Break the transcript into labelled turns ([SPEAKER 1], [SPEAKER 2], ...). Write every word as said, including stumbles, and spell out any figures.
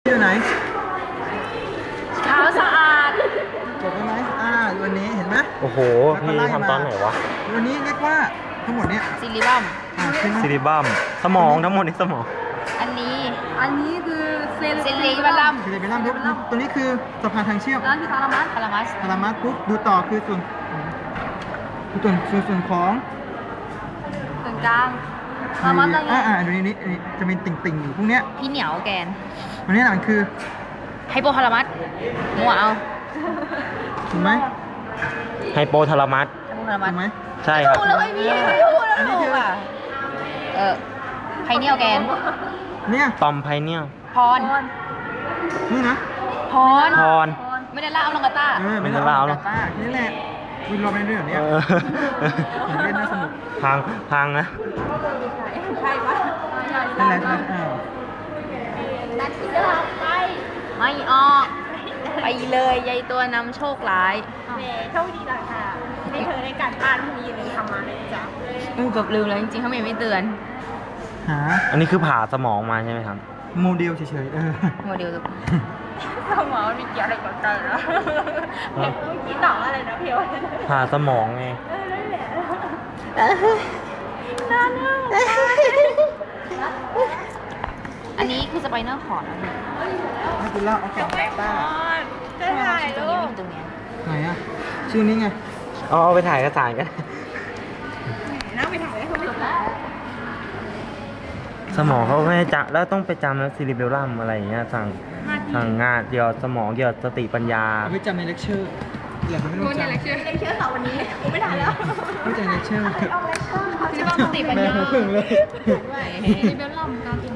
[SPEAKER 1] อยู่ไหน
[SPEAKER 2] เท้าสะอาด
[SPEAKER 1] จบไหมอ่าวันนี้เห็นไหม
[SPEAKER 3] โอ้โหพี่ทำตอนไหนวะ
[SPEAKER 1] วันนี้เรียกว่าทั้งหมดเนี้ย
[SPEAKER 2] ซิลิบัม
[SPEAKER 3] ซิลิบัมสมองทั้งหมดนี่สมอง
[SPEAKER 2] อันนี้
[SPEAKER 4] อันนี้คือเซล
[SPEAKER 2] ซิลิบัม
[SPEAKER 1] ซิลิเบลัมตัวนี้คือสะพานทางเชื่อม
[SPEAKER 4] นั่นคือทารามัส
[SPEAKER 2] พารามัส
[SPEAKER 1] พารามัสปุ๊บดูต่อคือส่วนส่วนส่วนส่วนของ
[SPEAKER 4] ส่วนกลางทารามัสอะไร
[SPEAKER 1] อ่าอ่าตัวนี้นี่จะเป็นติ่งติ่งอยู่พวกเนี้ย
[SPEAKER 2] พี่เหนียวแกน
[SPEAKER 1] ตัวนี้มันคือ
[SPEAKER 2] ไฮโปพารามัสมัวเอา
[SPEAKER 1] ถูกไหม
[SPEAKER 3] ไฮโปทารามัส
[SPEAKER 2] ถูก
[SPEAKER 1] ไหม
[SPEAKER 3] ใช่ครับ
[SPEAKER 1] อันนี้คือ
[SPEAKER 2] เออไพเนียลแกน
[SPEAKER 1] เนี่ย
[SPEAKER 3] ตอมไพเนียล
[SPEAKER 2] พร
[SPEAKER 1] นี่นะ
[SPEAKER 2] พร
[SPEAKER 3] พร
[SPEAKER 2] ไม่ได้ล่าเอาลงกาต้า
[SPEAKER 1] เออไม่ได้ล่าเอาลงกาต้านี่แหละวินรอในเรื่องเนี้ยเล่นน่าสนุก
[SPEAKER 3] พังพังนะ
[SPEAKER 4] ใช่ปะ
[SPEAKER 1] นั่นแหละอ่า
[SPEAKER 4] นัดที่จะไป
[SPEAKER 2] ไม่ออกไปเลยยายตัวนำโชคร้าย
[SPEAKER 4] แหมโชคดีเลยค่ะนี่เธอในการบ้านพรุ่งนี้อย่าลืมทำมาเลยจ้ะ
[SPEAKER 2] อือเกือบลืมแล้วจริงๆเขาไม่ไม่เตือน
[SPEAKER 1] หา
[SPEAKER 3] อันนี้คือผ่าสมองมาใช่ไหมครับ
[SPEAKER 1] โมเดลเฉยๆเออ
[SPEAKER 2] โมเดล
[SPEAKER 4] สมองมีเกี่ยวอะไรกับกันเหรอเมื่อกี้ต่ออะไรนะเพียว
[SPEAKER 3] ผ่าสมองไง
[SPEAKER 4] เออนั่นแหละน่าเนื้อ
[SPEAKER 2] อันนี้คือสไปเนอร์คอร์ดนะ
[SPEAKER 1] ให้คุณเล่าเอาของต้า
[SPEAKER 4] จะถ่าย
[SPEAKER 2] ตรง
[SPEAKER 4] รู
[SPEAKER 2] นี้
[SPEAKER 4] ป
[SPEAKER 2] เป็นตรงนี้
[SPEAKER 1] ไหนอ่ะชื่อนี้ไง
[SPEAKER 3] เอาไปถ่ายเอกสารกัน
[SPEAKER 4] นั่งไปถ่ายให้เขาดู
[SPEAKER 3] สมองเขาไม่จำแล้วต้องไปจำแล้วซิลิเบลลัมอะไรอย่างเงี้ยสั่งสั่งงานเกี่ยวสมองเกี่ยวสติปัญญา
[SPEAKER 1] เอาไปจำในเลคเชอร์อย่าไปไม่ต้องจำ
[SPEAKER 4] เลคเชอร์เลคเชอร์ต่อวันนี้กูไม่ถ่ายแล้ว
[SPEAKER 1] ไม่จำเลคเชอร์
[SPEAKER 4] เอาเลคเชอร์
[SPEAKER 2] ที่ว่าสติปัญญา
[SPEAKER 1] แม่พึ่งเลย
[SPEAKER 4] ซิลิเบลลัมการ